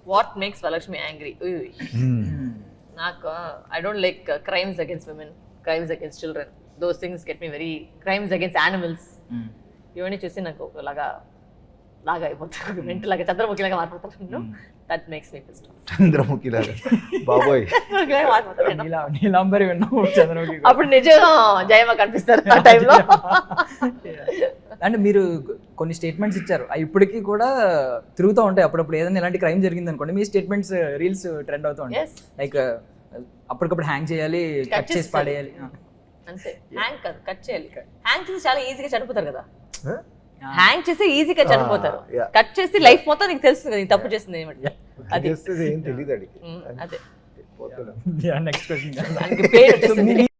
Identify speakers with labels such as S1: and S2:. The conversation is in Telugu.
S1: What makes Varalakshmi angry? నాకు I don't like crimes against women, crimes against children. Those things get me very, crimes against animals ఇవన్నీ చూసి నాకు ఒకలాగా లాగా అయిపోతాను, మెంటల్ లాగా చంద్రముఖి లాగా మారిపోతాను. That makes me pissed off.
S2: Chandramukhi లాగా బాబోయ్.
S3: నీలాంబరి విన్నాము, చంద్రముఖి.
S1: అప్పుడు నిజంగా జయమ్మ కనిపిస్తారు ఆ టైంలో.
S3: అంటే మీరు కొన్ని స్టేట్మెంట్స్ ఇచ్చారు, అవి ఇప్పటికీ కూడా తిరుగుతూ ఉంటాయి. అప్పుడప్పుడు ఏదైనా ఇలాంటి క్రైమ్ జరిగింది అనుకోండి, మీ స్టేట్మెంట్స్ రీల్స్ ట్రెండ్ అవుతూ ఉంటాయి. లైక్ అప్పటికప్పుడు హ్యాంగ్ చేయాలి, కట్ చేసి పడేయాలి.
S1: అంతే, హ్యాంగ్ కాదు, కట్ చేయాలి. హ్యాంగ్ చేసి చాలా ఈజీగా చనిపోతారు కదా, హ్యాంగ్ చేసి ఈజీగా చనిపోతారు. కట్ చేసి లైఫ్ మొత్తం నీకు తెలుస్తుంది కదా, తప్పు చేస్తుంది ఏమంటే అది.
S2: ఏం తెలియదు అడిగి.
S1: అదే
S3: నెక్స్ట్ క్వశ్చన్.
S1: దానికి పేరు వచ్చేసింది.